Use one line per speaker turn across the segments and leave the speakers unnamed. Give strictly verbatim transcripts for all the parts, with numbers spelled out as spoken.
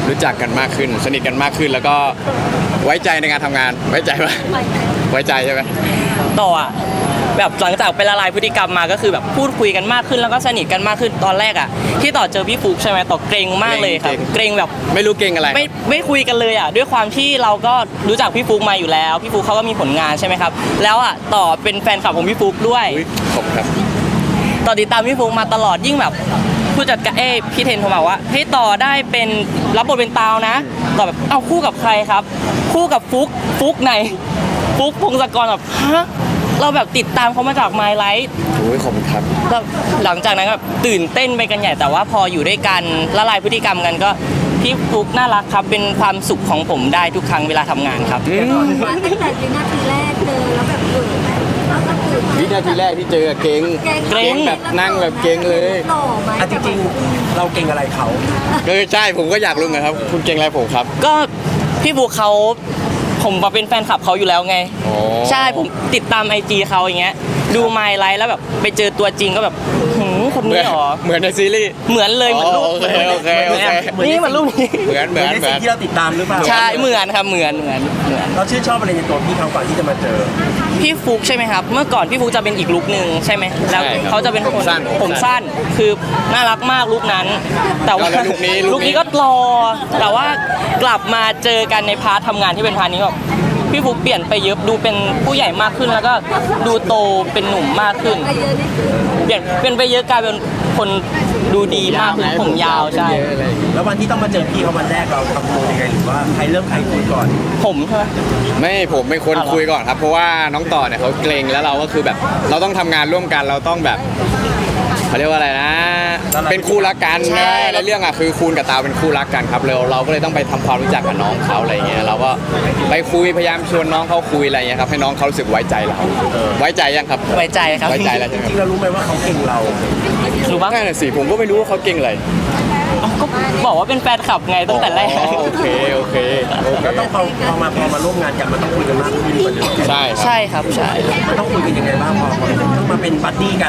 รู้จักกันมากขึ้นสนิทกันมากขึ้นแล้วก็ไว้ใจในการทำงานไว้ใจปะไว้ใจใช่ไหม
ต่ออ่ะแบบหลังจากไปละลายพฤติกรรมมาก็คือแบบพูดคุยกันมากขึ้นแล้วก็สนิทกันมากขึ้นตอนแรกอ่ะที่ต่อเจอพี่ฟุกใช่ไหมต่อเกรงมากเลยครับเกรงแบบ
ไม่รู้เกรงอะไร
ไม่ไม่คุยกันเลยอ่ะด้วยความที่เราก็รู้จักพี่ฟุกมาอยู่แล้วพี่ฟุกเขาก็มีผลงานใช่ไหมครับแล้วอ่ะต่อเป็นแฟนคลับของพี่ฟุกด้วย
ขอบคุณครับ
ต่อติดตามพี่ฟุกมาตลอดยิ่งแบบผู้จัดการเอ้พี่เทนโทรมาว่าให้ต่อได้เป็นรับบทเป็นตาวนะต่อแบบเอาคู่กับใครครับคู่กับฟุกฟุกไหนฟุกพงศกรแบบฮะเราแบบติดตามเขามาจาก My Life
โอ้ยขอบคุณครับ
หลังจากนั้นแบบตื่นเต้นไปกันใหญ่แต่ว่าพออยู่ด้วยกันละลายพฤติกรรมกันก็พี่ฟุกน่ารักครับเป็นความสุขของผมได้ทุกครั้งเวลาทำงานครับ
ตั้งแต่วินาทีแรกเจอแล้วแบบเกิดไหม
วินาทีแรกที่เจอเก่งเก่งแบบนั่งแบบเก่งเลย
อ่ะจริงๆเราเก่งอะไรเขา
เออใช่ผมก็อยากรู้นะครับคุณเก่งอะไรผมครับ
ก็พี่ฟุกเขาผมมาเป็นแฟนคลับเขาอยู่แล้วไงใช่ผมติดตามไอจีเขาอย่างเงี้ยดูไมล์ไลฟ์แล้วแบบไปเจอตัวจริงก็แบบหืมคนนี้หรอ
เหมือนในซีรีส์
เหมือนเลยเหมือนรูป
โอเคโอเคโอเค
นี่เหมือนรูปนี้
เหมือนเหมือน
ในสิ่งที่เราติดตามหรือเปล่า
ใช่เหมือนครับเหมือนเหมือนเหมือน
เราชื่นชอบอะไรในตัวพี่เขาก่อนที่จะมาเจอ
พี่ฟุกใช่ไหมครับเมื่อก่อนพี่ฟุกจะเป็นอีกลุคนึงใช่ไหมแล้วเขาจะเป็นคนผมสั้นคือน่ารักมากลุคนั้นแต่ว่าลุคนี้ลุคนี้ก็รอแต่ว่ากลับมาเจอกันในพาร์ททำงานที่เป็นพาร์ทนี้แบบพี่ฟุกเปลี่ยนไปเยอะดูเป็นผู้ใหญ่มากขึ้นแล้วก็ดูโตเป็นหนุ่มมากขึ้นเปลี่ยนเป็นไปเยอะกลายเป็นคนดูดีมากขึ้นผมยาวใช่
แล้ววันที่ต้องมาเจอพี่เขาวันแรกเราทำตัวยังไงหรือว่าใครเริ่มใครคุยก่อน
ผมใช่ไหม
ไม่ผมเป็นคนคุยก่อนครับเพราะว่าน้องต่อเนี่ยเขาเกรงแล้วเราก็คือแบบเราต้องทำงานร่วมกันเราต้องแบบเขาเรียกว่าอะไรนะเป็นคู่รักกันนะในเรื่องอ่ะคือคูณกับตาเป็นคู่รักกันครับเราเราก็เลยต้องไปทำความรู้จักกับน้องเขาอะไรเงี้ยเราก็ไปคุยพยายามชวนน้องเขาคุยอะไรเงี้ยครับให้น้องเขารู้สึกไว้ใจเราไว้ใจยังครับ
ไว้ใจครับ
ไว้ใจแล้วใช่ไหม
จริงๆเรารู้ไหมว่าเขาเก่งเรา
รู้บ้าง
นั่นสิผมก็ไม่รู้ว่าเขาเก่งอะไร
ก็บอกว่าเป็นแฟนคลับไงตั้งแต่แรก
โอเคโอเค
แล้วต้องพอพอมาพอมาร่วมงานกันมันต้องคุยกันมากขึ้นกว่าเดิม
ใช่
ใช่ครับใช่
มันต้องคุยกันยังไงบ้างพอต้องมาเป็นบัดดี้กัน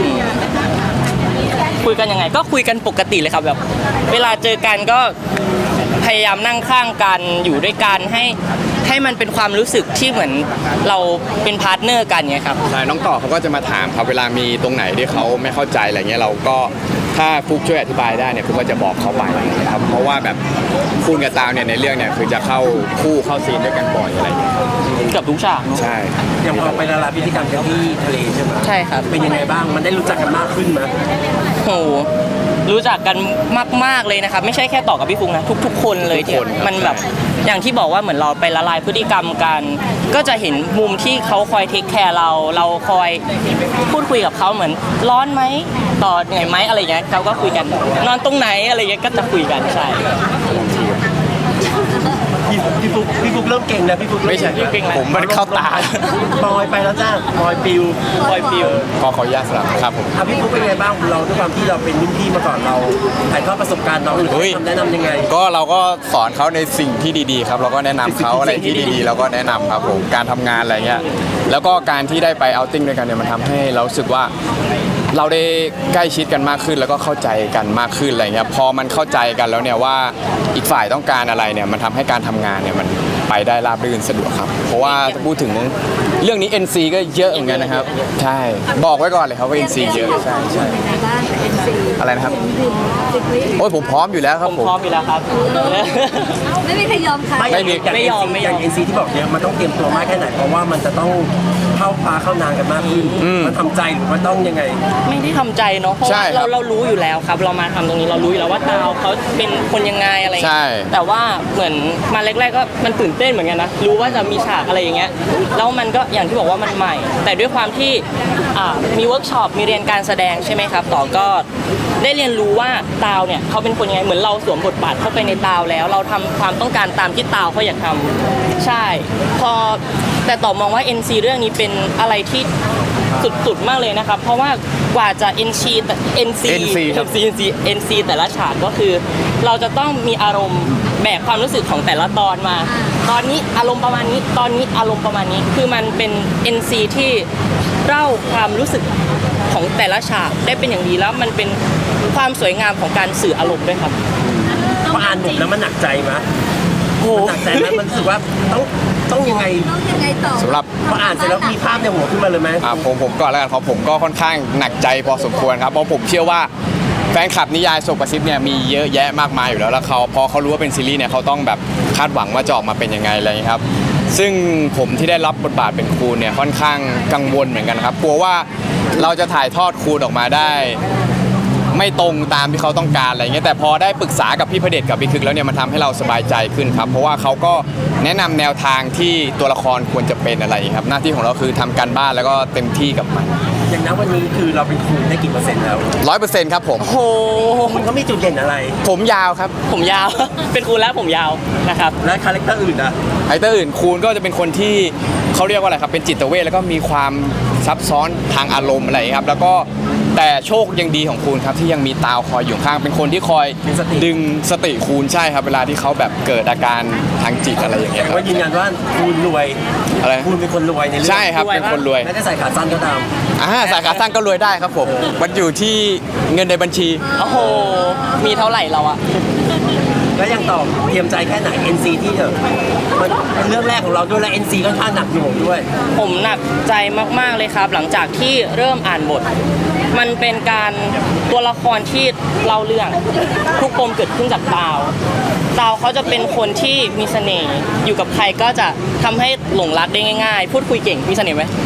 คุยกันยังไงก็คุยกันปกติเลยครับแบบเวลาเจอกันก็พยายามนั่งข้างกันอยู่ด้วยกันให้ให้มันเป็นความรู้สึกที่เหมือนเราเป็นพาร์ทเนอร์กันไงครับ
ใช่น้องต่อเขาก็จะมาถามครับเวลามีตรงไหนที่เขาไม่เข้าใจอะไรเงี้ยเราก็ถ้าฟุกช่วยอธิบายได้เนี่ยฟุกก็จะบอกเขาไปนะครับเพราะว่าแบบคูณกับตาวเนี่ยในเรื่องเนี่ยคือจะเข้าคู่เข้าซีนด้วยกันบ่อยอะไรเงี้ย
เกือบทุกฉาก
ใช่
อย่างพอไปละลายพฤติกรรมกันที่ทะเลใช่ไหม
ใช่ครับ
เป็นยังไงบ้างมันได้รู้จักกันมากขึ้นไหม
โอ้รู้จักกันมากๆเลยนะครับไม่ใช่แค่ต่อกับพี่ฟุกนะทุกๆคนเลยที่มันแบบอย่างที่บอกว่าเหมือนเราไปละลายพฤติกรรมกันก็จะเห็นมุมที่เขาคอยเทคแคร์เราเราคอยพูดคุยกับเขาเหมือนร้อนไหมต่อเหนื่อยไหมอะไรเงี้ยเขาก็คุยกันนอนตรงไหนอะไรเงี้ยก็จะคุยกันใช่
พี่ฟุกพี่ฟุกเริ่มเก่งแล้วพี่ฟุก
ไม่ใช่ผมมันเข้าตา
ปอยไปแล้วจ้าปอยปิว
ปอยปิว
ขอขออนุญาตสลับครับผม
พี่ฟุกเป็นไงบ้างเราด้วยความที่เราเป็นรุ่นพี่มาก่อนเราถ่ายทอดประสบการณ์น้องหรือคำแนะนำยังไง
ก็เราก็สอนเขาในสิ่งที่ดีๆครับเราก็แนะนำเขาอะไรที่ดีๆเราก็แนะนำครับผมการทำงานอะไรเงี้ยแล้วก็การที่ได้ไปเอาติ้งด้วยกันเนี่ยมันทำให้เรารู้สึกว่าเราได้ใกล้ชิดกันมากขึ้นแล้วก็เข้าใจกันมากขึ้นอะไรเงี้ยพอมันเข้าใจกันแล้วเนี่ยว่าอีกฝ่ายต้องการอะไรเนี่ยมันทำให้การทำงานเนี่ยมันไปได้ราบรื่นสะดวกครับเพราะว่าถ้าพูดถึงเรื่องนี้ เอ็น ซี ก็เยอะเหมือนกันนะครับใช่บอกไว้ก่อนเลยครับว่า เอ็น ซี เยอะใช่ใช่อะไรนะครับโอ้ยผมพร้อมอยู่แล้วครับ
ผมพร้อมอยู่แล้วครับ
ไม่มีใครยอมใคร
ไม่ไม่ไม่ยอมไม่ยอม เอ็น ซี ที่บอกเนี่ยมันต้องเตรียมตัวมากแค่ไหนเพราะว่ามันจะต้องเข้าปลาเข้านานกันมากขึ้นมันทำใจหรือว่าต้องยังไง
ไม่ได้ทำใจเนาะเพราะว่าเราเรารู้อยู่แล้วครับเรามาทำตรงนี้เรารู้อยู่แล้วว่าดาวเขาเป็นคนยังไงอะไรแต่ว่าเหมือนมาแรกๆก็มันตื่นเต้นเหมือนกันนะรู้ว่าจะมีฉากอะไรอย่างเงี้ยแล้วมันก็อย่างที่บอกว่ามันใหม่แต่ด้วยความที่มีเวิร์กช็อปมีเรียนการแสดงใช่ไหมครับต่อก็ได้เรียนรู้ว่าตาวเนี่ยเขาเป็นคนยังไงเหมือนเราสวมบทบาทเข้าไปในตาวแล้วเราทำความต้องการตามที่ตาวเขาอยากทำใช่พอแต่ต่อมองว่า เอ็น ซี เรื่องนี้เป็นอะไรที่สุดๆมากเลยนะครับเพราะว่ากว่าจะ เอ็น ซี แต่ เอ็น ซี
NC ครับ
เอ็น ซี เอ็น ซี แต่ละฉากก็คือเราจะต้องมีอารมณ์แบกความรู้สึกของแต่ละตอนมาตอนนี้อารมณ์ประมาณนี้ตอนนี้อารมณ์ประมาณนี้คือมันเป็น เอ็น ซี ที่เล่าความรู้สึกของแต่ละฉากได้เป็นอย่างดีแล้วมันเป็นความสวยงามของการสื่ออารมณ์ด้วยครับ
เพราะอ่านบทแล้วมันหนักใจไหม
โอ้โห
มันหนักใจไหมมันรู้สึกว่าต้องต้องยังไง
ต้องยังไงต่อ
สำหรับ
พออ่านเสร็จแล้วมีภาพในหัวขึ้นมาเลยไหม
อ่าผมผมก่อนแล้วกันครับผมก็ค่อนข้างหนักใจพอสมควรครับเพราะผมเชื่อว่าแฟนคลับนิยายโศกประซิบเนี่ยมีเยอะแยะมากมายอยู่แล้วแล้วเขาพอเขารู้ว่าเป็นซีรีส์เนี่ยเขาต้องแบบคาดหวังว่าจะออกมาเป็นยังไงอะไรอย่างนี้ครับซึ่งผมที่ได้รับบทบาทเป็นครูเนี่ยค่อนข้างกังวลเหมือนกันครับกลัวว่าเราจะถ่ายทอดครูออกมาได้ ไม่ตรงตามที่เขาต้องการอะไรเงี้ยแต่พอได้ปรึกษากับพี่พระเดชกับพี่คึกแล้วเนี่ยมันทำให้เราสบายใจขึ้นครับเพราะว่าเขาก็แนะนำแนวทางที่ตัวละครควรจะเป็นอะไรครับหน้าที่ของเราคือทำการบ้านแล้วก็เต็มที่กับมัน
อย่างนั้นวันนี้คือเราเป็นครูได้กี่เปอร์เซ็นต์แล้ว
ร้อยเปอร์เซ็นต์ครับผม
โอ้โห
มันก็มีจุดเด่นอะไร
ผมยาวครับ
ผมยาว เป็นครูแล้วผมยาวนะครับ
และคาแรคเตอร์อื่นอะ
ไอเตอร์อื่นคูณก็จะเป็นคนที่เขาเรียกว่าอะไรครับเป็นจิตเวชแล้วก็มีความซับซ้อนทางอารมณ์อะไรครับแล้วก็แต่โชคยังดีของคูณครับที่ยังมีตาวคอยอยู่ข้างเป็นคนที่คอยดึงสติคูณใช่ครับเวลาที่เขาแบบเกิดอาการทางจิตอะไรอย่างเงี้ย
แต่
ครับ
ว่ายืนยันว่าครูรวย
อะไร
ครูเป็นคนรวยในเรื่อง
ใช่ครับเป็นคนรวย
แม้จะใส่ขาสั้นก็ตาม
อ่าสาขาสั้นก็รวยได้ครับผมมันอยู่ที่เงินในบัญชี
โอ้โห มีเท่าไหร่เราอะ
แล้วยังตอบเตรียมใจแค่ไหน เอ็น ซี ที่เถอะมันเป็นเรื่องแรกของเราด้วยและ เอ็น ซี ค่อนข้างหนักหน่วงด้วย
ผมหนักใจมากๆเลยครับ หลังจากที่เริ่มอ่านบท มันเป็นการตัวละครที่เล่าเรื่องทุกปมเกิดขึ้นจากดาวดาวเขาจะเป็นคนที่มีเสน่ห์อยู่กับใครก็จะทำให้หลงรักได้ง่ายๆ พูดคุยเก่งมีเสน่ห์ไหม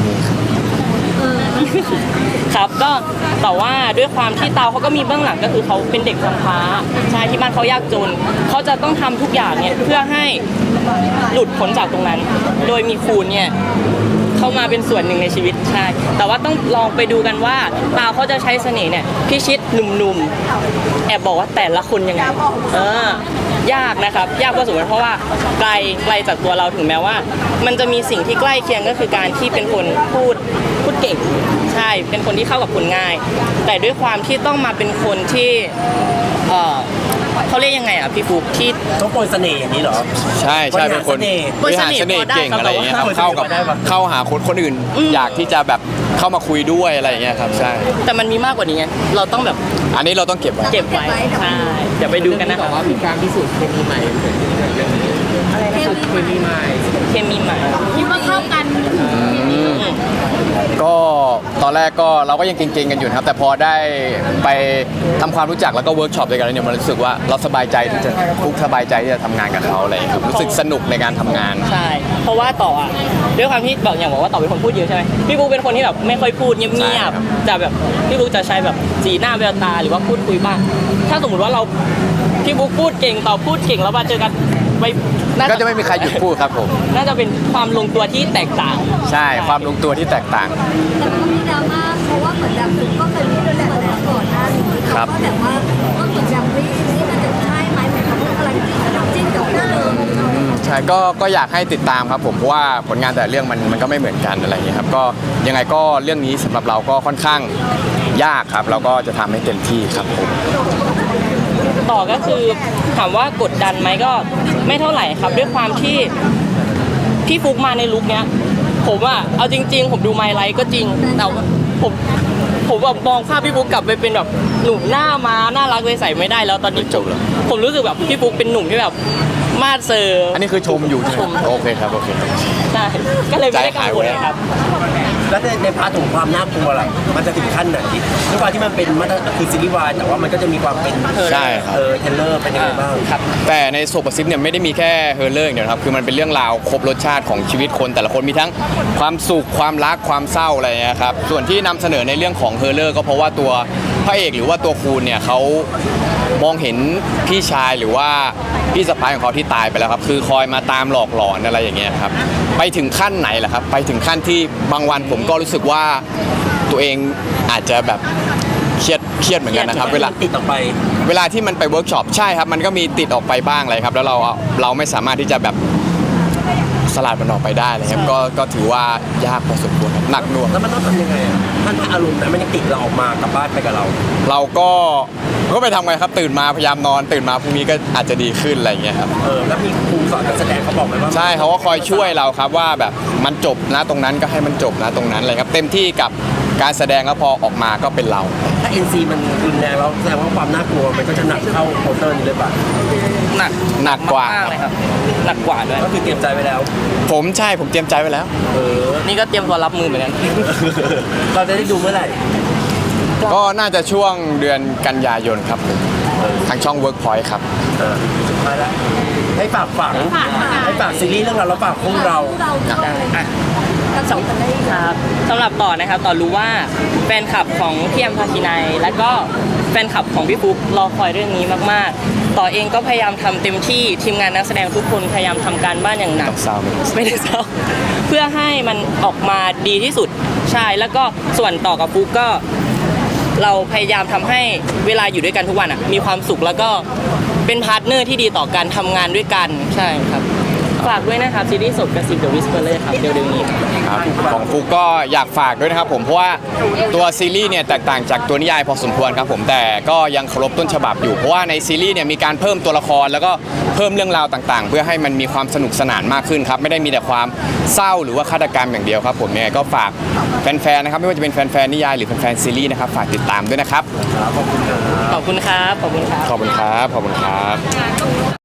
ครับก็แต่ว่าด้วยความที่เตาเขาก็มีเบื้องหลังก็คือเขาเป็นเด็กกำพร้าใช่ที่บ้านเขายากจนเขาจะต้องทำทุกอย่างเนี่ยเพื่อให้หลุดพ้นจากตรงนั้น โดยมีคูณเนี่ยเข้ามาเป็นส่วนหนึ่งในชีวิตใช่แต่ว่าต้องลองไปดูกันว่าเตาเขาจะใช้เสน่ห์เนี่ยพิชิตหนุ่มๆแอบบอกว่าแต่ละคนยังไงเออยากนะครับยากพอสมควรเพราะว่าไกลไกลจากตัวเราถึงแม้ว่า มันจะมีสิ่งที่ใกล้เคียงก็คือการที่เป็นคนพูดพูดเก่งใช่เป็นคนที่เข้ากับคนง่าย แต่ด้วยความที่ต้องมาเป็นคนที่เออเขาเรียกยังไงอ่ะพี่ฟุกที่
ต้องโปรยเสน่ห์อย่างนี้เหรอ
ใช่ใช่เป็นคน
บริหารเสน่ห์
บริหารเสน่ห์เก่งอะไรอย่างเงี้ยครับ
บริหาร
เข้ากับ
เสน่ห์ได้ปะ
เข้าหาคนคนอื่น อยากที่จะแบบเข้ามาคุยด้วยอะไรอย่างเงี้ยครับใช่
แต่มันมีมากกว่านี้ไงเราต้องแบบ
อันนี้เราต้องเก็บไว้
เก็บไว้ใช่เดี๋ยวไปดูกันนะครับ
ว่ามีการพิสูจน์เคมีใหม่เกิดขึ้นเรื่องนี้
อะไรนะครับ
เคมีใหม่
เคมีใหม่
คิดว่าเข้ากัน
ก็ตอนแรกก็เราก็ยังเก่งๆกันอยู่นะครับแต่พอได้ไปทำความรู้จักแล้วก็เวิร์กช็อปด้วยกันแล้วเนี่ยมันรู้สึกว่าเราสบายใจที่จะทุกสบายใจที่จะทำงานกับเขาอะไรอย่างเลยครับรู้สึกสนุกในการทำงาน
ใช่ เพราะว่าต่ออ่ะด้วยความที่บอกอย่างบอกว่าต่อเป็นคนพูดเยอะใช่ไหมพี่บุ๊กเป็นคนที่แบบไม่ค่อยพูดเงี
ใช่
ย
ครับ บ
ๆแต่แบบพี่บุ๊กจะใช้แบบสีหน้าแววตาหรือว่าพูดคุยบ้างถ้าสมมติว่าเราพี่บุ๊กพูดเก่งต่อพูดเก่งแล้วมาเจอกันไปน่า
ก็จะไม่มีใครหยุดพูดครับผม
น่าจะเป็นความลงตัวที่แตกต่าง
ใช่ความลงตัวที่แตกต่าง
แต่มันก็มีดราม่าเพราะว่าเหมือนแบบคุณก็เคยมีเรื่องมาแล้วก่อนหน้านี้
ครับ
ก็แบบว่าก็เหมือนแบบนี่นี่มันจะใช่ไหมเหมือนกับเรื่องอะไรที่จิ้นกับเรื่องเดิม
ใช่ก็ก็อยากให้ติดตามครับผมเพราะว่าผลงานแต่ละเรื่องมันมันก็ไม่เหมือนกันอะไรอย่างเงี้ยครับก็ยังไงก็เรื่องนี้สำหรับเราก็ค่อนข้างยากครับเราก็จะทำให้เต็มที่ครับผม
ต่อก็คือถามว่ากดดันไหมก็ไม่เท่าไหร่ครับ ด้วยความที่พี่ฟุกมาในลุคเนี้ย ผมอะเอาจริง ๆ ผมดูไมล์ไลท์ก็จริงแต่ว่าผมผมแบบมองภาพพี่ฟุกกลับไปเป็นแบบหนุ่มหน้าม้าน่ารักเลยใส่ไม่ได้แล้วตอนนี้
จบแล้ว
ผมรู้สึกแบบพี่ฟุกเป็นหนุ่มที่แบบมาดเซอร์
อันนี้คือชมอยู่ใช่ไหม
ชม
โอเคครับโอเค
ใช่ก็เลยไม่ได้กังวล
ใจหายไว้
ครับ
แล้วในในพาร์ทของความน่ากลัวล่ะมันจะถึงขั้นไหนด้วยความที่มันเป็นมาตรคือซีรีส์วายแต่ว่ามันก็จะมีความเป็น
ใช่ครับ
เออเทรลเลอร์เป็นยังไงบ้าง
ครับ
แต่ในโซปซิปเนี่ยไม่ได้มีแค่เฮอร์เลอร์อย่างเดียวนะครับคือมันเป็นเรื่องราวครบรสชาติของชีวิตคนแต่ละคนมีทั้งความสุขความรักความเศร้าอะไรอย่างเงี้ยครับส่วนที่นำเสนอในเรื่องของเฮอร์เลอร์ก็เพราะว่าตัวพระเอกหรือว่าตัวคูณเนี่ยเขามองเห็นพี่ชายหรือว่าพี่สะพ้ายของเขาที่ตายไปแล้วครับคือคอยมาตามหลอกหลอนอะไรอย่างเงี้ยครับไปถึงขั้นไหนล่ะครับไปถึงขั้นที่บางวันผมก็รู้สึกว่าตัวเองอาจจะแบบเครียดเครียดเหมือนกันนะครับเวลา
ติดออกไป
เวลาที่มันไปเวิร์กช็อปใช่ครับมันก็มีติดออกไปบ้างเลยครับแล้วเราเราไม่สามารถที่จะแบบสลัดมันออกไปได้เลยครับก็ก็ถือว่ายากพอสมควรครับหนักหน่วง
แล้วมันต้องทำยังไงอ่ะถ้าถ้าอารมณ์นั้นมันยังติดเราออกมากลับบ้านไปกับเรา
เราก็ก็ไปทำไงครับตื่นมาพยายามนอนตื่นมาพรุ่งนี้ก็อาจจะดีขึ้นอะไรอย่างเงี้ยครับ
เออแล้วมีครูสอนการแสดงเขาบอกไหมว่า
ใช่เขาก็คอยช่วยเราครับว่าแบบมันจบนะตรงนั้นก็ให้มันจบนะตรงนั้นเลยครับเต็มที่กับการแสดงแล้วพอออกมาก็เป็นเรา
ถ้า เอ็น ซี มันรุนแรงแล้วแสดงว่าความน่ากลัวมันก็จะหนักเข้าโปสเตอร์นี้เลยป่ะ
หนัก
หนักกว่า
มากๆเลยครับหนักกว่าด้วย
ก็คือเตรียมใจไว้แล้ว
ผมใช่ผมเตรียมใจไว้แล้ว
เออ
นี่ก็เตรียมตัวรับมือเหมือนกัน
เราจะได้ดูเมื่อไหร่
ก็น่าจะช่วงเดือนกันยายนครับผมทางช่อง Workpoint ครับ
เออสุดท้ายแล้วให้ฝากฝังให้ฝากซีรีส์เรื่องเราแล้วฝากพวกเรา
เราด้วยกันสองคนได้
ครับสำหรับต่อนะครับต่อรู้ว่าแฟนคลับของพี่แอมพาคินัยและก็แฟนคลับของพี่ฟุ๊กรอคอยเรื่องนี้มากๆ ต่อเองก็พยายามทำเต็มที่ทีมงานนักแสดงทุกคนพยายามทำการบ้านอย่างหนัก
ต้องเศร้าไหม
ไม่ได้เศร้าเพื่อให้มันออกมาดีที่สุดใช่แล้วก็ส่วนต่อกับฟุ๊กก็ เราพยายามทำให้เวลาอยู่ด้วยกันทุกวันอ่ะมีความสุขแล้วก็เป็นพาร์ทเนอร์ที่ดีต่อการทำงานด้วยกันใช่ครับฝากด้วยนะครับซีรีส์สดกระซิบเดอะวิสเปอร์เลยครับเร็วๆนี้ครับ
ครับของฟุกก็อยากฝากด้วยนะครับผมเพราะว่าตัวซีรีส์เนี่ยแตกต่างจากตัวนิยายพอสมควรครับผมแต่ก็ยังเคารพต้นฉบับอยู่เพราะว่าในซีรีส์เนี่ยมีการเพิ่มตัวละครแล้วก็เพิ่มเรื่องราวต่างๆ เพื่อให้มันมีความสนุกสนานมากขึ้นครับไม่ได้มีแต่ความเศร้าหรือว่าฆาตกรรมอย่างเดียวครับผมยังไงก็ฝากแฟนๆนะครับไม่ว่าจะเป็นแฟนๆนิยายหรือแฟนๆซีรีส์นะครับฝากติดตามด้วยนะครับ
ขอบคุณครับขอบคุณครับ
ขอบคุณครับขอบคุณครับ